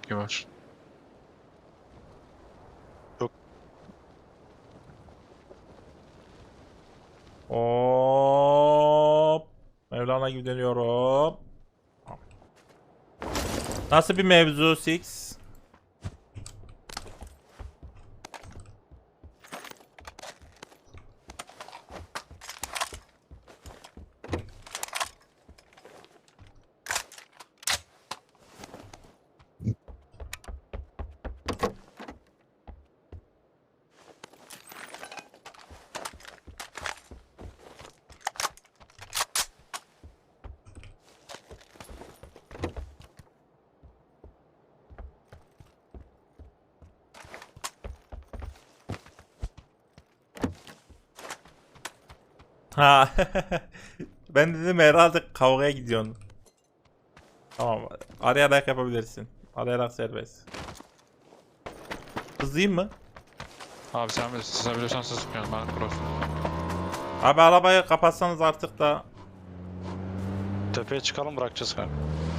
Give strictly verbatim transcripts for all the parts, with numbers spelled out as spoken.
Toki var. Yok. Hop. Mevlana gibi dönüyorum. Nasıl bir mevzu Six? Ha. Ben dedim herhalde kavgaya gidiyorsun. Tamam. Arayarak yapabilirsin. Arayarak serbest. Hızlıyım mı? Abi sen bilirsin. Siz biliyorsan siz sıkıyorsun. Ben cross. Abi arabayı kapatsanız artık da. Tepeye çıkalım, bırakacağız kanka.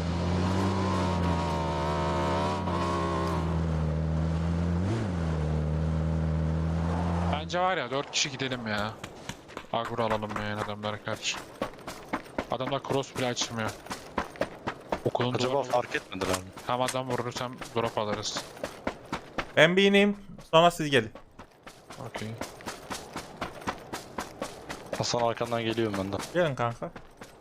Bence var ya dört kişi gidelim ya. Agro alalım yani adamlara karşı. Adamlar cross bile açmıyor. Okulun Acaba duvarı- fark etmediler mi? Hem adam vurursam drop alırız. Ben bir ineyim. Sonra siz gelin. Okey. Hasan arkandan geliyorum ben de. Gelin kanka.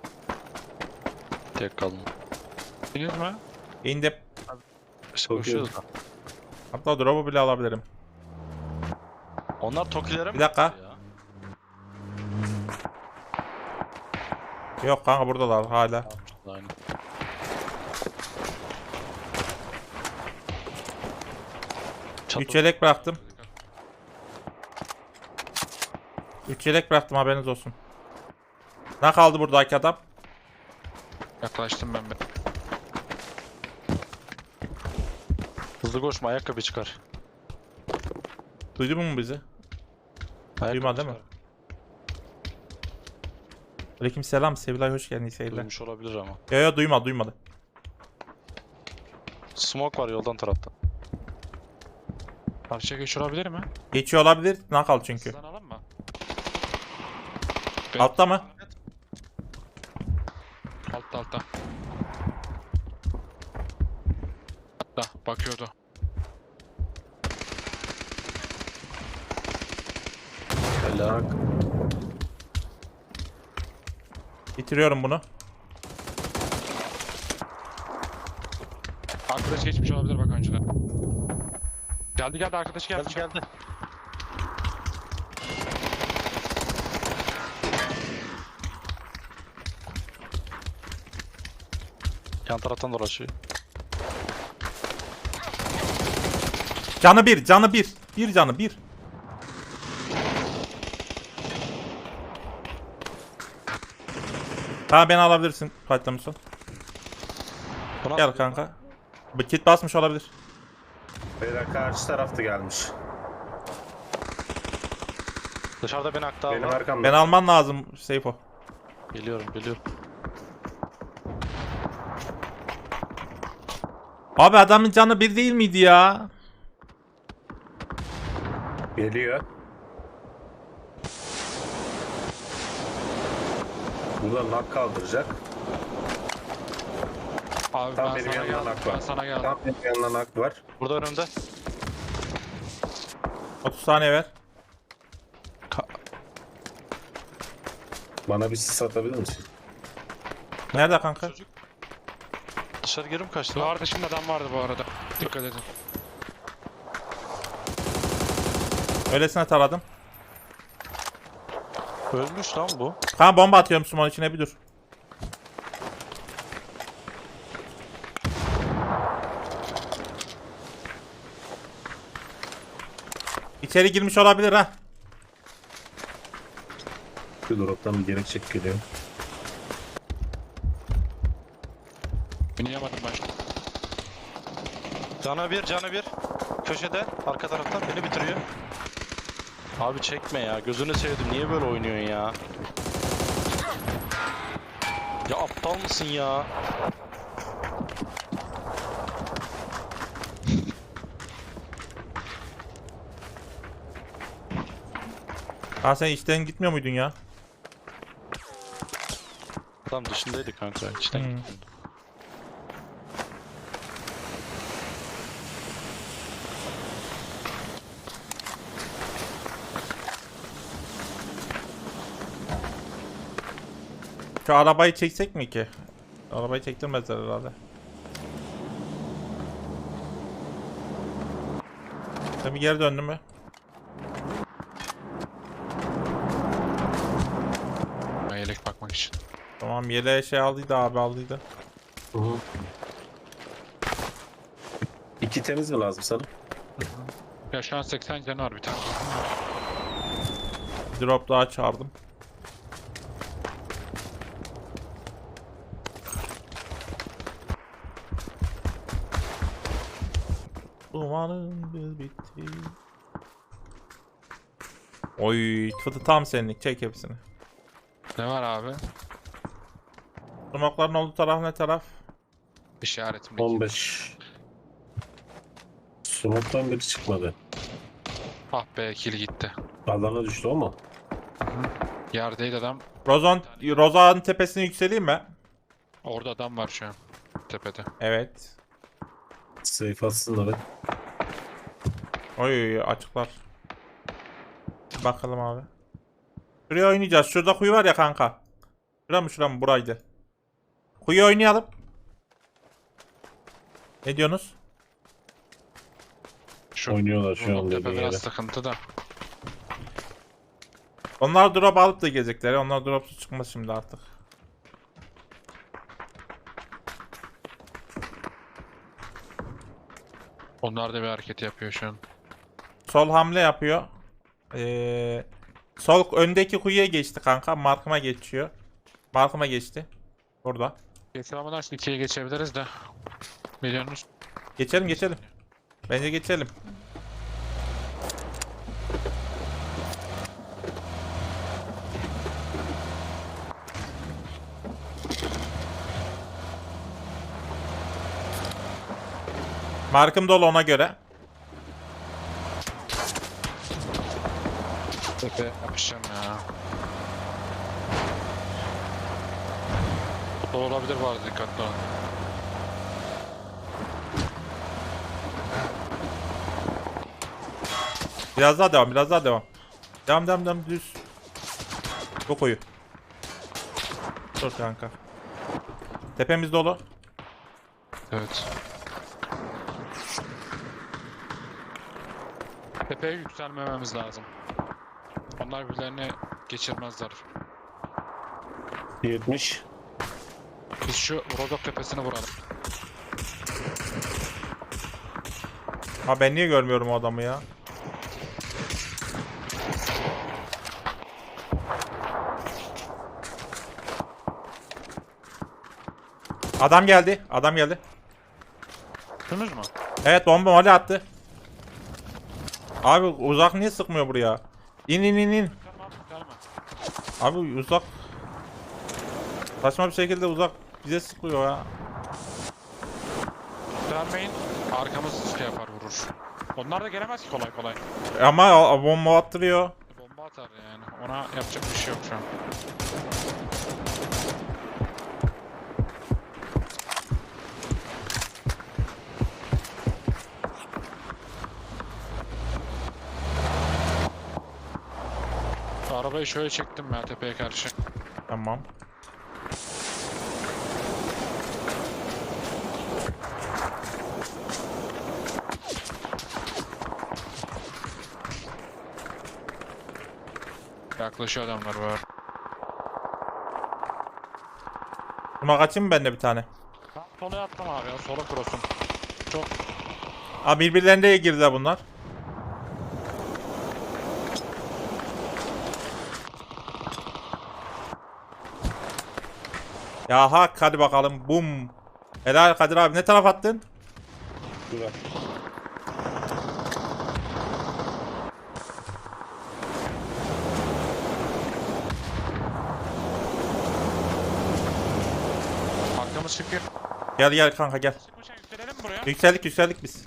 Tek kaldım. Bildiniz mi? İndim. İşte koşuyoruz da. Hatta drop'u bile alabilirim. Onlar Tokilere mi? Bir dakika. gitti ya? Yok kanka buradalar hala. Aynen. Çatı. Üç yelek bıraktım. Üç yelek bıraktım haberiniz olsun. Ne kaldı buradaki adam? Yaklaştım ben bir. Hızlı koşma, ayakkabı çıkar. Duydu mu bizi? Ayakkabı Duymadı değil mi? çıkar. Aleyküm selam Sevilay hoş geldin iyi seyirler. Duymuş olabilir ama. Yo yo duymadı duymadı. Smoke var yoldan tarafta. Karşıya geç olabilir mi? Geçiyor olabilir. Nakal çünkü. Sizden alın mı? Altta mı? Altta altta. Altta bakıyordu. Helal. Bitiriyorum bunu. Arkadaş geçmiş olabilir bak önceden. Geldi geldi arkadaş geldi. Geldi geldi. Yan taraftan dolaşıyor. Canı bir canı bir. Bir canı bir. Ha beni alabilirsin patlamışsın. Buna Gel kanka. Bu kit basmış olabilir. Beyler karşı tarafta gelmiş. Dışarıda beni aktar Benim var. arkamda. Ben alman lazım Seyfo. Geliyorum geliyorum. Abi adamın canı bir değil miydi ya? Geliyor. Burada nak kaldıracak. Abi Tam ben benim sana yanımdan geldim. ak Ben var. sana geldim. Tam benim yanımdan nak var. Burada önümde. otuz saniye ver. Bana bir sis atabilir misin? Nerede kanka? Çocuk. Dışarı girim kaçtı. Duvar dışında adam vardı bu arada. Dikkat edin. Öylesine taradım. Ölmüş lan bu. Kanka bomba atıyorum Sumon içine bir dur. İçeri girmiş olabilir ha. Bir droptan bir gerek çek geliyor. Oynayamadım ben. Cana bir, cana bir. Köşede, arka taraftan beni bitiriyor. Abi çekme ya, gözünü sevdim. Niye böyle oynuyorsun ya? Ya aptal mısın ya? Ha sen işten gitmiyor muydun ya? Tam dışındaydı kanka. İçten Hmm. gittim. Şu arabayı çeksek mi ki? Arabayı çektirmezler herhalde. Sen bir geri döndün mü? Ben yelek bakmak için. Tamam yeleğe şey aldıydı abi aldıydı. Hı hı. İki temiz mi lazım sana? Ya şu an seksen canı var bir tane. Drop daha çağırdım. Umarım bir bitti. Oy fıtı tam senlik çek hepsini. Ne var abi? Smoke'ların olduğu taraf ne taraf? İşaretimdeki. on beş. Smoke'tan biri çıkmadı. Ah be, kill gitti. Alana düştü o mu? Yerdeydi adam. Rozan, Rozan'ın tepesine yükseleyim mi? Orada adam var şu an. Tepede. Evet. Safe atsınlar. Oy açıklar. Bakalım abi. Şuraya oynayacağız. Şurada kuyu var ya kanka. Şura mı şura mı? Buraydı. Kuyu oynayalım. Ne diyorsunuz? Şu Oynuyorlar şu Bunun an tepe dediğin biraz yere. sıkıntı da. Onlar drop alıp da gelecekler. Onlar dropsuz çıkmaz şimdi artık. Onlar da bir hareket yapıyor şu an. Sol hamle yapıyor. Ee, sol öndeki kuyuya geçti kanka. Markıma geçiyor. Markıma geçti. Burada. Geçiremeden şimdi ikiye geçebiliriz de. Milyonunuz. Geçelim geçelim. Bence geçelim. Markım dolu ona göre. Tepe yapışacağım ya. Bu da olabilir, var dikkatli olun. Biraz daha devam, biraz daha devam. Devam, devam, devam, düz. Çok koyu. Dur kanka. Tepemiz dolu. Evet. Tepeye yükselmememiz lazım. Onlar birbirlerini geçirmezler. yetmiş. Biz şu Rodok tepesini vuralım. Ha ben niye görmüyorum o adamı ya? Adam geldi. Adam geldi. Gördünüz mü? Evet bomba mole attı. Abi uzak niye sıkmıyor buraya? İn in in in. Tamam, tamam. Abi uzak. Saçma bir şekilde uzak bize sıkıyor ya. Vermeyin. Arkamız şey yapar, vurur. Onlar da gelemez ki kolay kolay. Ama a- bomba attırıyor. Bomba atar yani. Ona yapacak bir şey yok şu an. Şu arabayı şöyle çektim ben tepeye karşı. Tamam. Yaklaşıyor adamlar var. Buna kaçayım mı ben de bir tane? Ben sola attım abi ya. Sola cross'um. Çok Aa birbirlerine girdiler bunlar. Ya hak hadi bakalım bum. Helal Kadir abi ne taraf attın? Güzel. arkamız çıkıyor. Gel gel kanka gel. Çıkmışken yükselelim mi buraya? Yükseldik yükseldik biz.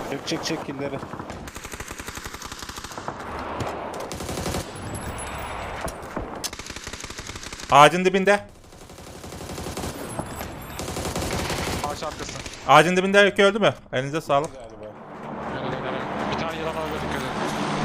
Çek çek çek killeri. Ağacın dibinde. Ağaç arkası. Ağacın dibinde öykü öldü mü? Elinize sağlık. Galiba. Öyle öyle öyle. Bir tane yılan öyle dikkat edin.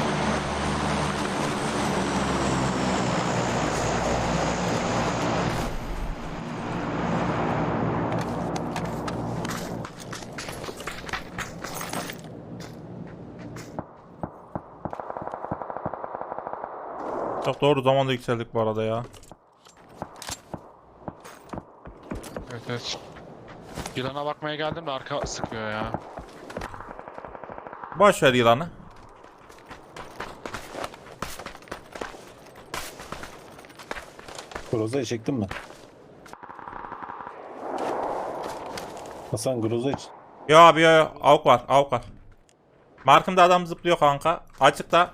Çok doğru zamanda yükseldik bu arada ya. Evet evet. Yılana bakmaya geldim de arka sıkıyor ya. Boş ver yılanı. Groza'yı çektin mi? Hasan Groza iç. Yo abi yo yo. Avuk var avuk var. Markımda adam zıplıyor kanka. Açıkta.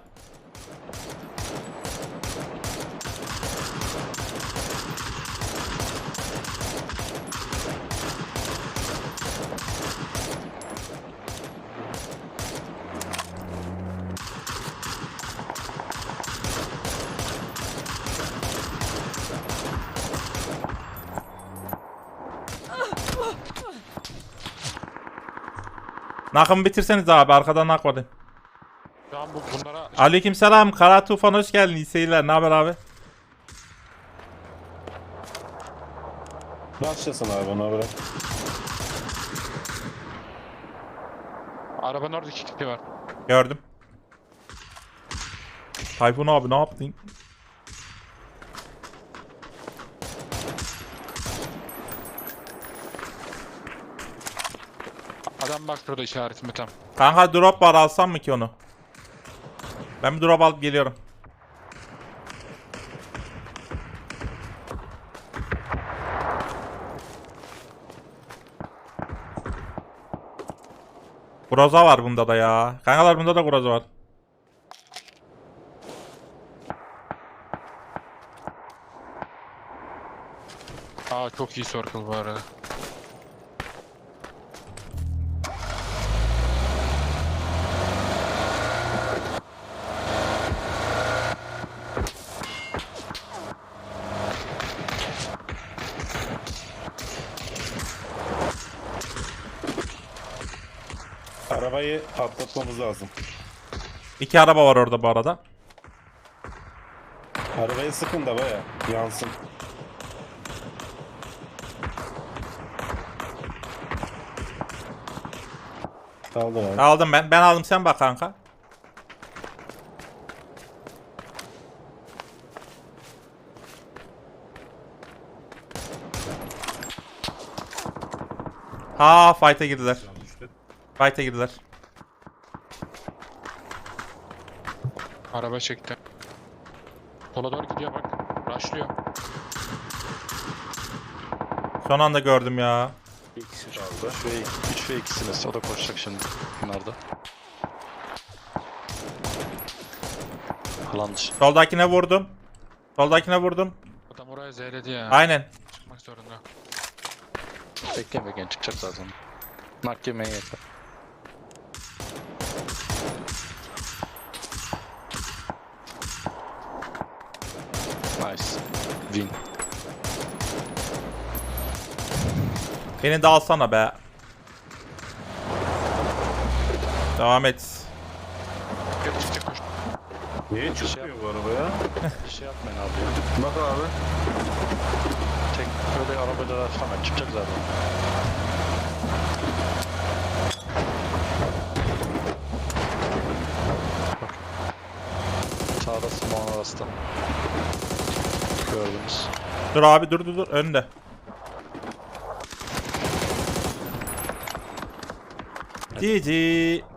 Nakımı bitirseniz abi arkadan nak var. Şu an bu bunlara Aleykümselam Kara Tufan hoş geldin. İyi seyirler. Ne haber abi? Başlasın abi ona bırak. arabanın orada iki kişi var. Gördüm. Tayfun abi ne yaptın? Adam bak şurada işaretimi tam. Kanka drop var alsam mı ki onu? Ben bir drop alıp geliyorum. Groza var bunda da ya. Kankalar bunda da groza var. Aa çok iyi circle bu arada. Arabayı patlatmamız lazım. İki araba var orada bu arada. Arabaya sıkın da baya yansın. Kaldı abi. Aldım ben. Ben aldım sen bak kanka. Ha fight'a girdiler. Fight'a girdiler. Araba çekti. Sola doğru gidiyor bak. Rushlıyor. Son anda gördüm ya. Bir kişi kaldı. üç ve ikisiniz. O da koşacak şimdi. Bunlarda. Alan dışı. Soldakine vurdum. Soldakine vurdum. Adam oraya zeyledi ya. Aynen. Çıkmak zorunda. Bekleyin bekleyin çıkacak zaten. Nak yemeye yeter. Nice. Win. Beni de alsana be. Devam et. Gel çıkacak koş. Niye çıkmıyor bu arabaya? Bir şey yapmayın abi ya. Bak abi. Tek böyle arabayla hemen çıkacak zaten. Bak. Sağda Simon arasında. Gördünüz. Dur abi dur dur dur önde. G G.